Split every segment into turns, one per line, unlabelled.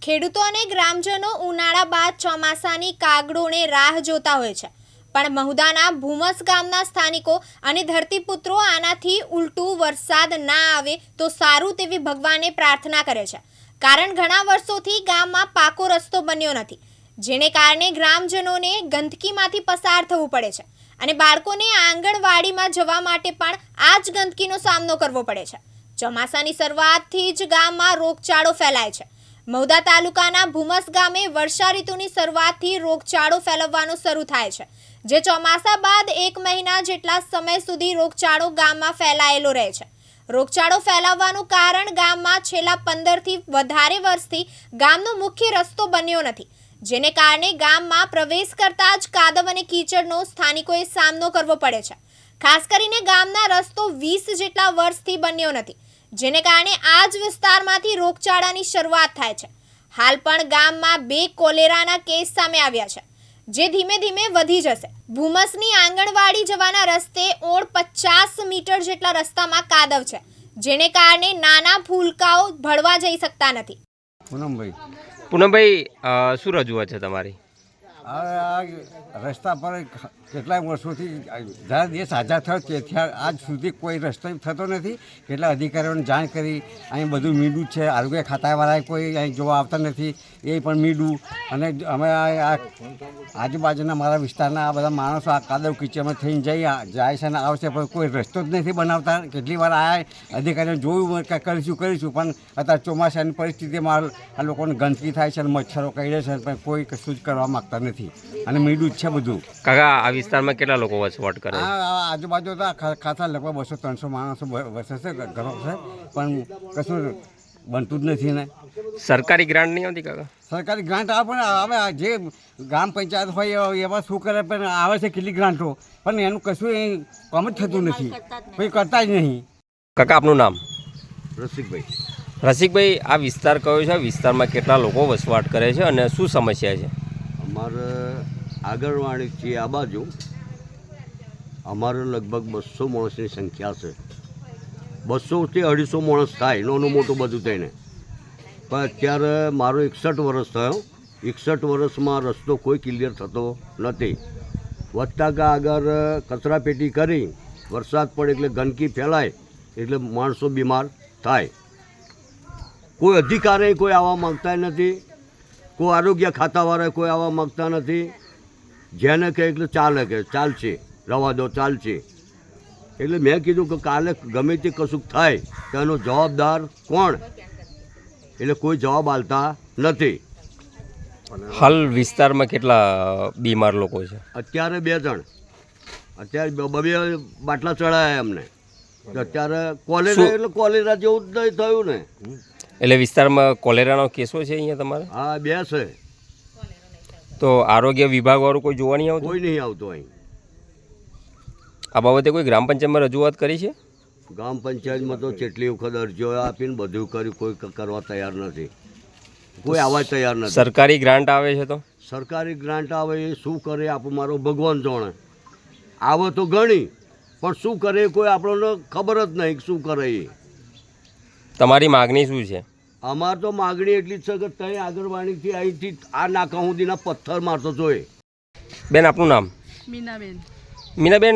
ખેડૂતો અને ગ્રામજનો ઉનાળા બાદ ચોમાસાની કાગડોને રાહ જોતા હોય છે, પણ મહુદાના ભૂમસ ગામના સ્થાનિકો અને ધરતીપુત્રો આનાથી ઉલટું વરસાદ ના આવે તો સારું તેવી ભગવાનને પ્રાર્થના કરે છે, કારણ ઘણા વર્ષોથી ગામમાં પાકો રસ્તો બન્યો નથી, જેને કારણે ગ્રામજનોને ગંદકીમાંથી પસાર થવું પડે છે અને બાળકોને આંગણવાડીમાં જવા માટે પણ આ જ ગંદકીનો સામનો કરવો પડે છે। ચોમાસાની શરૂઆતથી જ ગામમાં રોગચાળો ફેલાય છે। મહુદા તાલુકાના ભૂમસ ગામે વર્ષા ઋતુની શરૂઆતથી રોગચાળો ફેલાવવાનો શરૂ થાય છે, જે ચોમાસા બાદ 1 મહિના જેટલા સમય સુધી રોગચાળો ગામમાં ફેલાયેલો રહે છે। રોગચાળો ફેલાવવાનું કારણ ગામમાં છેલ્લા 15થી વધારે વર્ષથી ગામનો મુખ્ય રસ્તો બન્યો નથી, જેને કારણે ગામમાં પ્રવેશ કરતા જ કાદવ અને કીચડનો સ્થાનિકોએ સામનો કરવો પડે છે। ખાસ કરીને ગામના રસ્તો 20 જેટલા વર્ષથી બન્યો નથી, જેને કારણે આ જ વિસ્તારમાંથી રોગચાળાની શરૂઆત થાય છે। હાલ પણ ગામમાં 2 કોલેરાના કેસ સામે આવ્યા છે, જે ધીમે ધીમે વધી જશે। ભૂમસની આંગણવાડી જવાના રસ્તે 50 મીટર જેટલા રસ્તામાં કાદવ છે, જેને કારણે નાના ફૂલકાઓ ભળવા જઈ શકતા નથી।
પૂનમભાઈ, શું રજૂઆત છે તમારી?
આ રસ્તા પર કેટલાય વર્ષોથી જ્યારે દેશ આઝાદ થયો તેથી આજ સુધી કોઈ રસ્તો થતો નથી। કેટલા અધિકારીઓને જાણ કરી, અહીં બધું મીડું છે, આરોગ્ય ખાતાવાળાએ કોઈ અહીં જોવા આવતા નથી, એ પણ મીડું। અને અમે આ આજુબાજુના મારા વિસ્તારના આ બધા માણસો આ કાદવ કીચડમાં થઈને જાય છે અને આવશે, પણ કોઈ રસ્તો જ નથી બનાવતા। કેટલી વાર આ અધિકારીઓ જોયું કે કરીશું, પણ અત્યારે ચોમાસાની પરિસ્થિતિમાં આ લોકોને ગંદકી થાય છે અને મચ્છરો કરડે છે, પણ કોઈ કશું જ કરવા માગતા નથી અને મીડું જ છે બધું।
કાકા, આ વિસ્તારમાં કેટલા લોકો વસવાટ કરે?
આ આજુબાજુ તો ખાસા લગભગ 200-300 માણસો વસે છે, ઘરો છે, પણ કશું બનતું જ નથી ને।
સરકારી ગ્રાન્ટ નહીં આવતી કાકા?
સરકારી ગ્રાન્ટ આવે, પણ હવે જે ગ્રામ પંચાયત હોય એવા શું કરે, પણ આવે છે કેટલી ગ્રાન્ટો, પણ એનું કશું એ કામ જ થતું નથી, કોઈ કરતા જ નહીં।
કાકા, આપનું નામ?
રસિકભાઈ।
રસિકભાઈ, આ વિસ્તાર કયો છે? આ વિસ્તારમાં કેટલા લોકો વસવાટ કરે છે અને શું સમસ્યા છે?
અમારે આંગણવાડીથી આ બાજુ અમારે લગભગ 200 માણસની સંખ્યા છે। 200થી 250 માણસ થાય, નાનું મોટું બધું થઈને। પણ અત્યારે મારો 61 વર્ષ થયો। 61 વર્ષમાં રસ્તો કોઈ ક્લિયર થતો નથી। વધતા કા આગળ કચરાપેટી કરી, વરસાદ પડે એટલે ગંદકી ફેલાય, એટલે માણસો બીમાર થાય। કોઈ અધિકારી કોઈ આવવા માગતા નથી, કોઈ આરોગ્ય ખાતાવાળા કોઈ આવવા માગતા નથી। જેને કહે એટલે ચાલે, કે ચાલશે, રવા દો, ચાલશે। એટલે મેં કીધું કે કાલે ગમે તે કશુંક થાય તો એનો જવાબદાર કોણ? એટલે કોઈ જવાબ આપતા નથી।
હાલ વિસ્તારમાં કેટલા બીમાર લોકો છે?
અત્યારે 2 જણ, અત્યારે 2 બાટલા ચડાયા એમને, તો અત્યારે કોલેરા, એટલે કોલેરા જેવું જ નહીં થયું ને।
એટલે વિસ્તારમાં કોલેરાનો કેસો છે અહીંયા તમારે?
હા, 2 છે।
તો આરોગ્ય વિભાગવાળું કોઈ જોવા નહીં આવતું?
કોઈ નહીં આવતું અહીં।
આ બાબતે કોઈ ગ્રામ પંચાયતમાં રજૂઆત કરી છે?
ગ્રામ પંચાયતમાં તો કેટલી વખત અરજીઓ આપીને બધું કર્યું, કોઈ કરવા તૈયાર નથી, કોઈ આવવા તૈયાર નથી।
સરકારી ગ્રાન્ટ આવે છે તો?
સરકારી ગ્રાન્ટ આવે એ શું કરે આપણું મારો ભગવાન જાણે। આવે તો ઘણી, પણ શું કરે કોઈ આપણને ખબર જ નહીં શું કરે એ।
તમારી માગણી શું છે?
અમારે તો માગણી એટલી જ છે કે ત્યાં આંગણવાડીથી અહીંથી આ નાકા સુધીના પથ્થર મારતો જોઈએ।
બેન, આપનું નામ?
મીનાબેન।
મીનાબેન,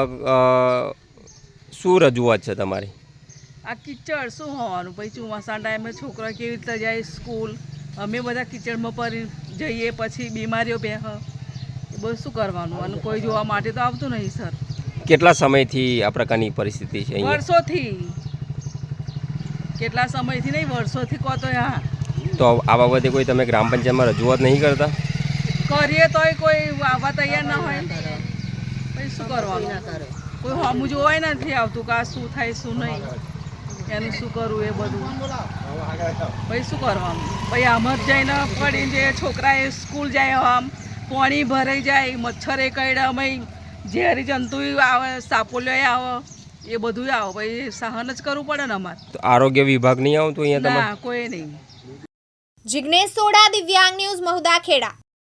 શું રજૂઆત છે તમારી?
આ કિચડ શું હોવાનું? પછી ચોમાસા ટાઈમે છોકરા કેવી રીતે જાય સ્કૂલ, અમે બધા કિચડમાં પરી જઈએ, પછી બીમારીઓ બેહ, એ બધું શું કરવાનું? અને કોઈ જોવા માટે તો આવતું નહીં સર।
કેટલા સમયથી આ પ્રકારની પરિસ્થિતિ છે અહીંયા?
વર્ષોથી, કેટલા સમયથી નહીં, વર્ષોથી કહો તો હા।
તો આ બાબતે કોઈ તમે ગ્રામ પંચાયતમાં રજૂઆત નહીં કરતા?
કરીએ તોય કોઈ આવવા તૈયાર ના હોય, પછી શું કરવાનું? કોઈ હમું જોવાય નથી આવતું કે આ શું થાય શું નહીં, એનું શું કરવું એ બધું, પછી શું કરવાનું? પછી આમ જ જઈને પડીને જે છોકરાએ સ્કૂલ જાય, આમ પાણી ભરાઈ જાય, મચ્છરે કરડે, અમે ઝેરી જંતુ આવે, સાપોલિયો આવે, એ બધું આવે, પછી સહન જ કરવું પડે ને અમારે।
તો આરોગ્ય વિભાગ નહીં આવતું અહીંયા?
ના, કોઈ નહીં।
જિગ્નેશ સોડા, દિવ્યાંગ ન્યૂઝ, મહુદા, ખેડા।